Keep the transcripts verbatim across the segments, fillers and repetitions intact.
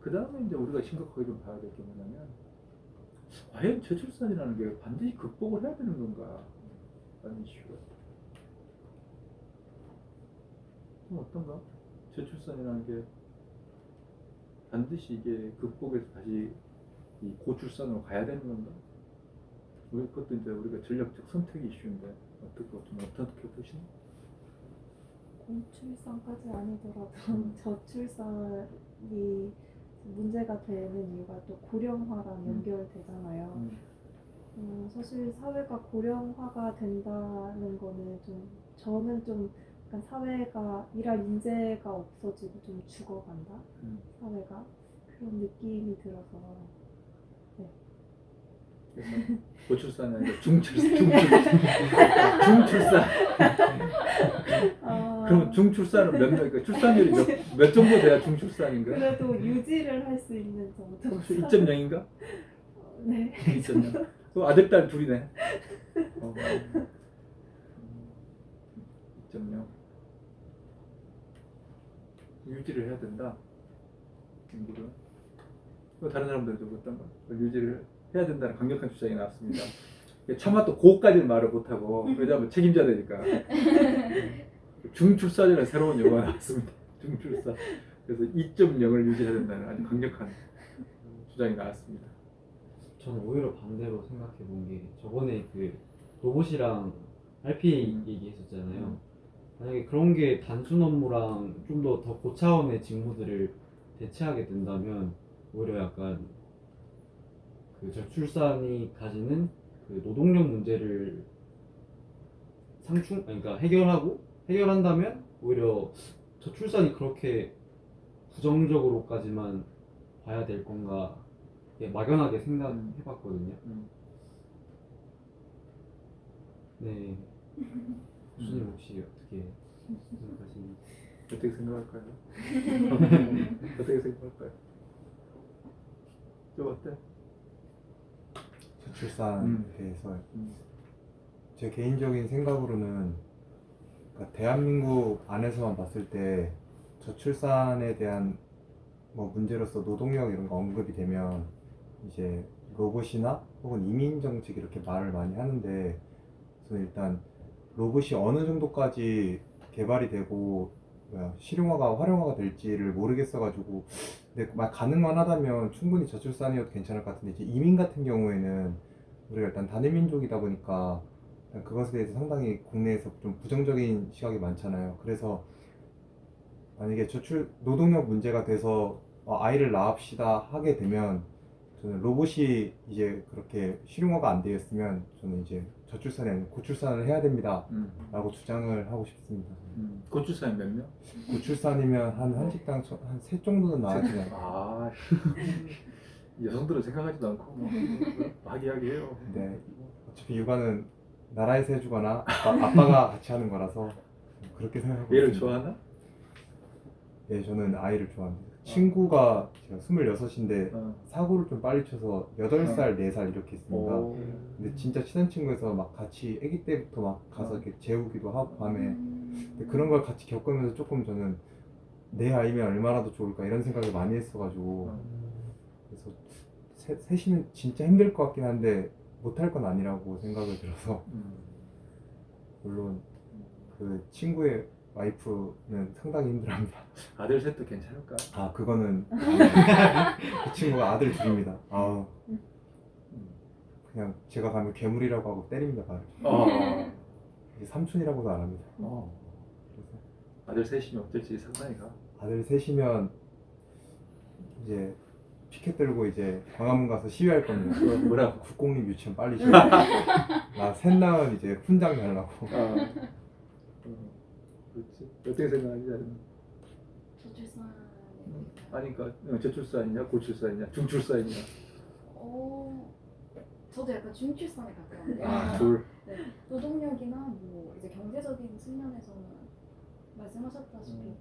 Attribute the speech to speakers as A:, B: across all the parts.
A: 그 다음에 이제 우리가 심각하게 좀 봐야 될 게 뭐냐면, 과연 저출산이라는 게 반드시 극복을 해야 되는 건가 라는 이슈가 좀 어떤가? 저출산이라는 게 반드시 이게 극복해서 다시 이 고출산으로 가야 되는 건가? 우리 그것도 이제 우리가 전략적 선택의 이슈인데 어떻게 좀 어떻게 보시나?
B: 고출산까지 아니더라도 저출산이 문제가 되는 이유가 또 고령화랑
A: 음.
B: 연결되잖아요.
A: 음.
B: 음, 사실 사회가 고령화가 된다는 거는 좀 저는 좀 약간 사회가 일할 인재가 없어지고 좀 죽어간다
A: 음.
B: 사회가 그런 느낌이 들어서 네.
A: 그래서 고출산이 아니라 중출산, 중출, 중출산.
B: 아,
A: 그럼 중출산은 몇 명? 그러니까 출산율이 몇, 몇 정도 돼야 중출산인가?
B: 그래도 유지를 할 수 있는 정도.
A: 혹시 이 점 영인가?
B: 네.
A: 이 점 영. 또 아들 딸 둘이네. 어. 이 점 영. 유지를 해야 된다. 인구를. 또 다른 사람들도 어떤가? 유지를 해야 된다는 강력한 주장이 나왔습니다. 차마 또 고까지는 말을 못하고, 왜냐하면 책임져야 되니까. 중출산이라는 새로운 용어가 나왔습니다. 중출산. 그래서 이 점 영을 유지해야 된다는 아주 강력한 주장이 나왔습니다.
C: 저는 오히려 반대로 생각해 본 게 저번에 그 로봇이랑 알피에이
A: 음.
C: 얘기했었잖아요.
A: 음.
C: 만약에 그런 게 단순 업무랑 좀 더 더 고차원의 직무들을 대체하게 된다면 오히려 약간 그 저출산이 가지는 그 노동력 문제를 상충, 아니, 그러니까 해결하고 해결한다면 오히려 저출산이 그렇게 부정적으로까지만 봐야 될 건가 예, 막연하게 생각해봤거든요.
A: 음.
C: 네. 교수님 혹시 어떻게 생각하시는지?
A: 어떻게 생각할까요? 어떻게 생각할까요? 좀 어때?
D: 저출산에
A: 음.
D: 대해서
A: 음.
D: 제 개인적인 생각으로는 그러니까 대한민국 안에서만 봤을 때 저출산에 대한 뭐 문제로서 노동력 이런 거 언급이 되면 이제 로봇이나 혹은 이민 정책 이렇게 말을 많이 하는데 저는 일단 로봇이 어느 정도까지 개발이 되고 뭐야, 실용화가 활용화가 될지를 모르겠어가지고 근데 막 가능만 하다면 충분히 저출산이어도 괜찮을 것 같은데 이제 이민 같은 경우에는 우리가 일단 단일민족이다 보니까 일단 그것에 대해서 상당히 국내에서 좀 부정적인 시각이 많잖아요. 그래서 만약에 저출 노동력 문제가 돼서 어, 아이를 낳읍시다 하게 되면 저는 로봇이 이제 그렇게 실용화가 안 되었으면 저는 이제 저출산이 아니라 고출산을 해야 됩니다
A: 음.
D: 라고 주장을 하고 싶습니다.
A: 음. 고출산이 몇 명?
D: 고출산이면 한 한 식당 한 셋 정도는 나와주잖아요.
A: 아, 여성들은 생각하지도 않고 뭐 하기하기해요.
D: 근데 어차피 육아는 나라에서 해주거나 아빠, 아빠가 같이 하는 거라서 그렇게 생각하고
A: 얘를
D: 있습니다.
A: 좋아하나?
D: 예, 저는 아이를 좋아합니다. 친구가 제가 스물여섯인데
A: 어.
D: 사고를 좀 빨리 쳐서 여덟 살, 네 살 이렇게 있습니다.
A: 오.
D: 근데 진짜 친한 친구에서 막 같이 아기 때부터 막 가서
A: 어.
D: 이렇게 재우기도 하고 밤에
B: 음.
D: 근데 그런 걸 같이 겪으면서 조금 저는 내 아이면 얼마나 더 좋을까 이런 생각을 많이 했어가지고
A: 어.
D: 그래서 세, 셋이면 진짜 힘들 것 같긴 한데 못할 건 아니라고 생각을 들어서
A: 음.
D: 물론 그 친구의 와이프는 상당히 힘들어합니다.
A: 아들 셋도 괜찮을까?
D: 아 그거는 그 친구가 아들 둘입니다. 아
A: 음.
D: 그냥 제가 가면 괴물이라고 하고 때립니다 발을.
A: 어.
D: 이제 삼촌이라고도 안 합니다.
A: 어.
D: 그래서
A: 아들 셋이면 어떨지 상상이 가.
D: 아들 셋이면 이제 피켓 들고 이제 광화문 가서 시위할 겁니다.
A: 어, 뭐라고?
D: 국공립 유치원 빨리 시작. 나셋 낳은 이제 훈장 달라고.
A: 어. 어. 그렇지. 어떻게 생각하지? 나는?
E: 저출산
A: 아니 그러니까 저출산이냐 고출산이냐 중출산이냐.
E: 어 저도 약간 중출산에 가까운데
A: 아 둘.
E: 네, 노동력이나 뭐 이제 경제적인 측면에서는 말씀하셨다시피
A: 음.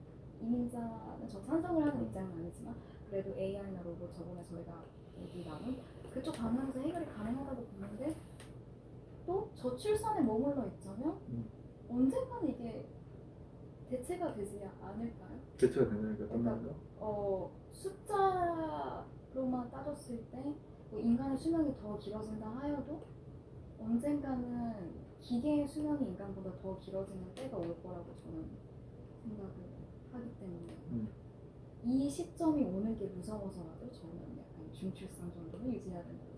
E: 이민자는 저 찬성을 하는 입장은 아니지만 그래도 에이아이나 로봇 저번에 저희가 얘기 나눈 그쪽 방향에서 해결이 가능하다고 보는데 또 저출산에 머물러 있자면
A: 음.
E: 언젠가는 이게 대체 대체가 되지 않을까요?
A: 대체가 된다니까 어떤
E: 그러니까
A: 말인가?
E: 어, 숫자로만 따졌을 때 뭐 인간의 수명이 더 길어진다 하여도 언젠가는 기계의 수명이 인간보다 더 길어지는 때가 올 거라고 저는 생각을 하기 때문에
A: 음.
E: 이 시점이 오는 게 무서워서라도 저는 약간 중출산 정도는 유지해야 된다고